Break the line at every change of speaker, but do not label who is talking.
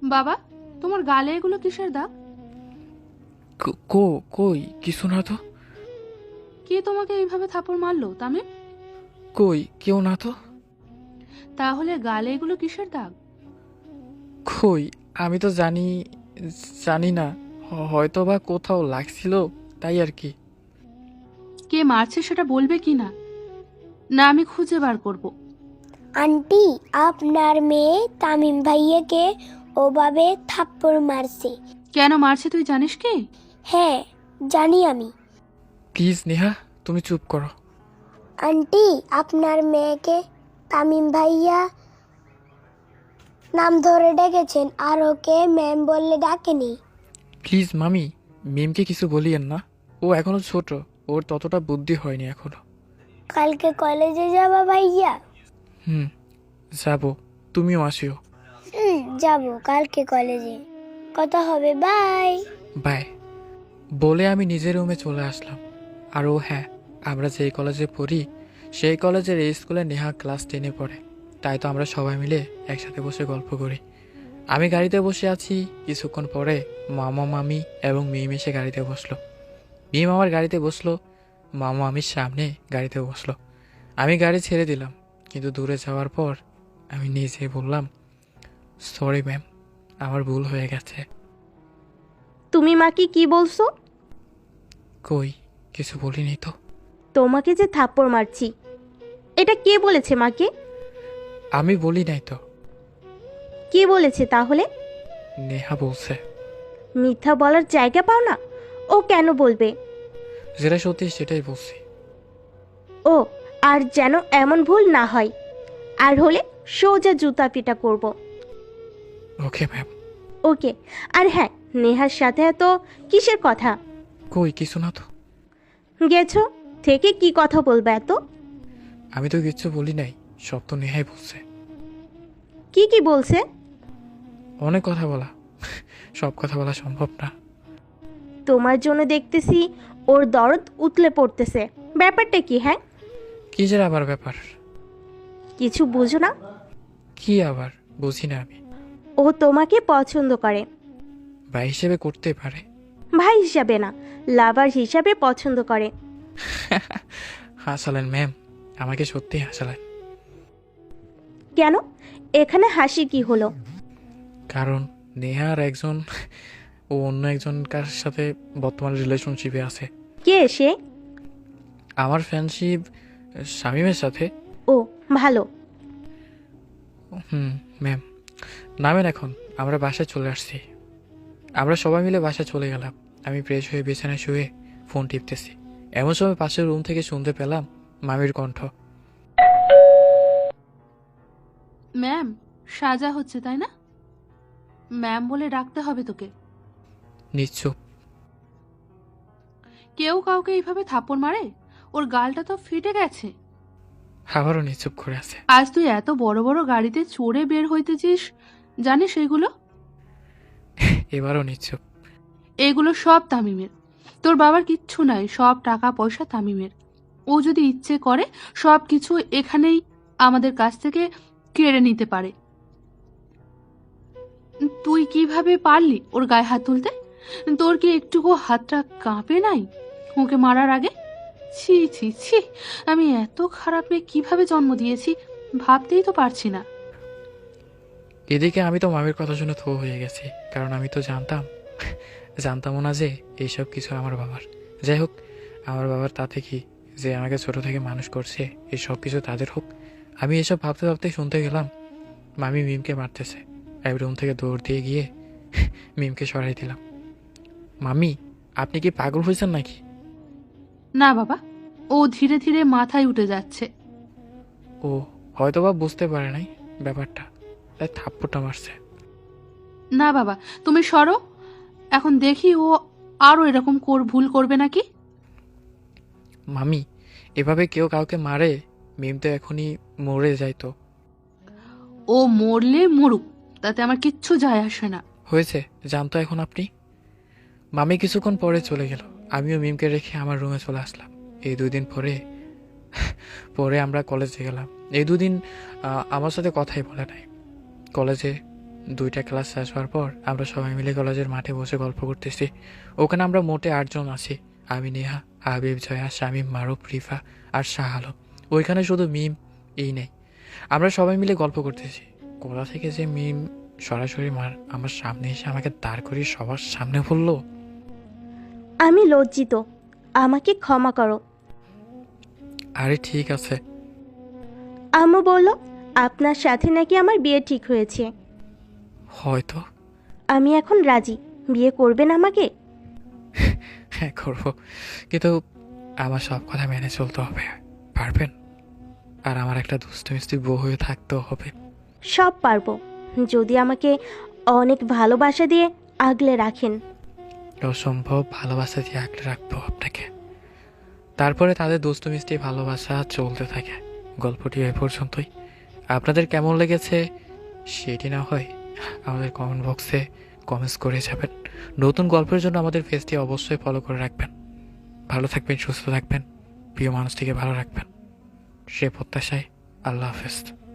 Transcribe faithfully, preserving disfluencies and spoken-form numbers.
বাবা, তোমার গালে এগুলো কিসের দাগ?
ক- কো কই কিছু না তো।
কে তোমাকে এইভাবে থাপড় মারলো তামিম?
কই কেউ না তো।
তাহলে গালে এগুলো কিসের দাগ?
কই আমি তো জানি জানি না। হ- হয়তো বা কোথাও লাগছিল, তাই আর কি।
কে মারছে সেটা বলবে কি না? না আমি খুঁজে বার করব।
আন্টি, আপনার মেয়ে তামিম ভাইয়াকে ওভাবে থাপ্পড় মারছে।
কেন মারছে তুই জানিস কি?
হ্যাঁ, জানি আমি।
প্লিজ নেহা, তুমি চুপ করো।
আন্টি, আপনার মেয়েকে তামিম ভাইয়া নাম ধরে ডেকেছেন আর ওকে ম্যাম বললে ডাকেনি।
প্লিজ মামি, মিমকে কিছু বলিয়েন না। ও এখনো ছোট, ওর ততটা বুদ্ধি হয়নি এখনো।
কালকে কলেজে যাবা ভাইয়া?
হুম, যাবো। তুমিও আসিও।
হুম, যাবো কালকে কলেজে। কথা হবে, বাই।
বাই বলে আমি নিজের রুমে চলে আসলাম। আর ও হ্যাঁ, আমরা যেই কলেজে পড়ি সেই কলেজের এই স্কুলে নেহা ক্লাস টেনে পড়ে। তাই তো আমরা সবাই মিলে একসাথে বসে গল্প করি। আমি গাড়িতে বসে আছি, কিছুক্ষণ পরে মামা মামি এবং মিম এসে গাড়িতে বসলো। মিম আমার গাড়িতে বসলো, মামা মামির সামনে গাড়িতে বসলো। আমি গাড়ি ছেড়ে দিলাম, কিন্তু দূরে যাওয়ার পর আমি নিজেই বললাম, সরি ম্যাম, আমার ভুল হয়ে গেছে।
তুমি মাকে কি বলছো?
কই কিছু বলিনি তো।
তোমাকে যে থাপ্পড় মারছি, এটা কে বলেছে মাকে?
আমি বলি নাই তো,
কে বলেছে তাহলে?
নেহা বলছে।
মিথ্যা বলার জায়গা পাও না। ও কেন বলবে?
যেটা সত্যি সেটাই বলছি।
ও, আর যেন এমন ভুল না হয়, আর হলে সোজা জুতা পিটা করব।
Okay ma'am.
ওকে। আর হ্যাঁ, নেহার সাথে এত কিসের কথা?
কই কিছু না তো।
গেছো থেকে কি কথা বলবে এত?
আমি তো কিচ্ছু বলি নাই, সব তো নেহাই বলছে।
কি কি বলছে?
অনেক কথা বলা, সব কথা বলা সম্ভব না।
তোমার জন্য দেখতেছি ওর দরদ উতলে পড়তেছে। ব্যাপারটা কি? হ্যাঁ,
কি যে আবার ব্যাপার?
কিছু বুঝো না?
কি আবার বুঝি না আমি।
ও তোমাকে পছন্দ করে।
ভাই হিসেবে করতে পারে।
ভাই হিসাবে না, লাভার হিসাবে পছন্দ করে।
হাসালেন ম্যাম, আমাকে সত্যি হাসালেন।
কেন? এখানে হাসি কি হলো?
কারণ নেহার একজন, ও অন্য একজনকার সাথে বর্তমান রিলেশনশিপে আছে।
কে সে?
আমার ফ্রেন্ডশিপ শামীমের সাথে।
ও, ভালো।
হুম ম্যাম, নামেন এখন, আমরা বাসায় চলে আসছি। আমরা সবাই মিলে বাসায় চলে গেলাম। আমি ফ্রেশ হয়ে বিছানায় শুয়ে ফোন টিপতেছি। এমন সময় পাশের রুম থেকে শুনতে পেলাম মামির কণ্ঠ।
ম্যাম, সাজা হচ্ছে তাই না? ম্যাম বলে ডাকতে হবে তোকে।
নিশ্চুপ।
কেউ কাউকে এইভাবে থাপ্পড় মারে? ওর গালটা তো ফেটে গেছে।
আবারও নিশ্চুপ করে আছে।
আজ তুই এত বড় বড় গাড়িতে চড়ে বের হইতেছিস, জানিস এগুলো?
এবারও নিশ্চুপ।
এগুলো সব তামিমের। তোর বাবার কিচ্ছু নাই, সব টাকা পয়সা তামিমের। ও যদি ইচ্ছে করে সব কিছু এখানেই আমাদের কাছ থেকে কেড়ে নিতে পারে। তুই কিভাবে পারলি ওর গায়ে হাত তুলতে? তোর কি একটুকু হাতটা কাঁপে নাই ওকে মারার আগে? ছি ছি ছি, আমি এত খারাপ মেয়ে কিভাবে জন্ম দিয়েছি ভাবতেই তো পারছি না।
এদিকে আমি তো মামির কথা শুনে থো হয়ে গেছি, কারণ আমি তো জানতাম জানতামও না যে এইসব কিছু আমার বাবার। যাই হোক, আমার বাবার তাতে কি, যে আমাকে ছোট থেকে মানুষ করছে, এই সব কিছু তাদের হোক। আমি এসব ভাবতে ভাবতে শুনতে গেলাম মামি মিমকে মারতেছে। এক রুম থেকে দৌড় দিয়ে গিয়ে মিমকে সরাই দিলাম। মামি, আপনি কি পাগল হয়েছেন নাকি?
না বাবা, ও ধীরে ধীরে মাথায় উঠে যাচ্ছে।
ও হয়তো বা বুঝতে পারে নাই ব্যাপারটা, তাই থাপ্পড়টা মারছে।
না বাবা, তুমি সরো। এখন দেখি ও আরো এরকম কর ভুল করবে নাকি।
মামি, এভাবে কেউ কাউকে মারে? মিম তো এখনই মরে যাইতো।
ও মরলে মরুক, তাতে আমার কিচ্ছু যায় আসে না।
হয়েছে, জানতো এখন আপনি। মামি কিছুক্ষণ পরে চলে গেল। আমিও মিমকে রেখে আমার রুমে চলে আসলাম। এই দুই দিন পরে পরে আমরা কলেজে গেলাম। এই দুদিন আহ, আমার সাথে কথাই বলে নাই। কলেজে দুইটা ক্লাস শেষ হওয়ার পর আমরা সবাই মিলে কলেজের মাঠে বসে গল্প করতেছি। ওখানে আমরা মোটে আটজন আছি। আমি, নেহা, হাবিব, জয়া, শামীম, মারুফ, রিফা আর শাহ আলম। ওইখানে শুধু মিম এই নেই। আমরা সবাই মিলে গল্প করতেছি। কোথা থেকে যে মিম সরাসরি মার আমার সামনে এসে আমাকে দাঁড় করিয়ে সবার সামনে বললো,
আমি লজ্জিত, আমাকে ক্ষমা করো।
আরে ঠিক আছে।
আম্মু বলল আপনার সাথে নাকি আমার বিয়ে ঠিক হয়েছে।
হয়তো।
আমি এখন রাজি, বিয়ে করবেন আমাকে?
হ্যাঁ করবো, কিন্তু আমার সব কথা মেনে চলতে হবে, পারবেন? আর আমার একটা দুষ্টু মিষ্টি বউ হয়ে থাকতেও হবে।
সব পারবো, যদি আমাকে অনেক ভালোবাসা দিয়ে আগলে রাখেন।
অসম্ভব ভালোবাসা দিয়ে আঁকড়ে রাখবো আপনাকে। তারপরে তাদের দুষ্টু মিষ্টি ভালোবাসা চলতে থাকে। গল্পটি এ পর্যন্তই। আপনাদের কেমন লেগেছে সেটি না হয় আমাদের কমেন্ট বক্সে কমেন্টস করে যাবেন। নতুন গল্পের জন্য আমাদের পেজটি অবশ্যই ফলো করে রাখবেন। ভালো থাকবেন, সুস্থ থাকবেন, প্রিয় মানুষটিকে ভালো রাখবেন, সে প্রত্যাশায়। আল্লাহ হাফেজ।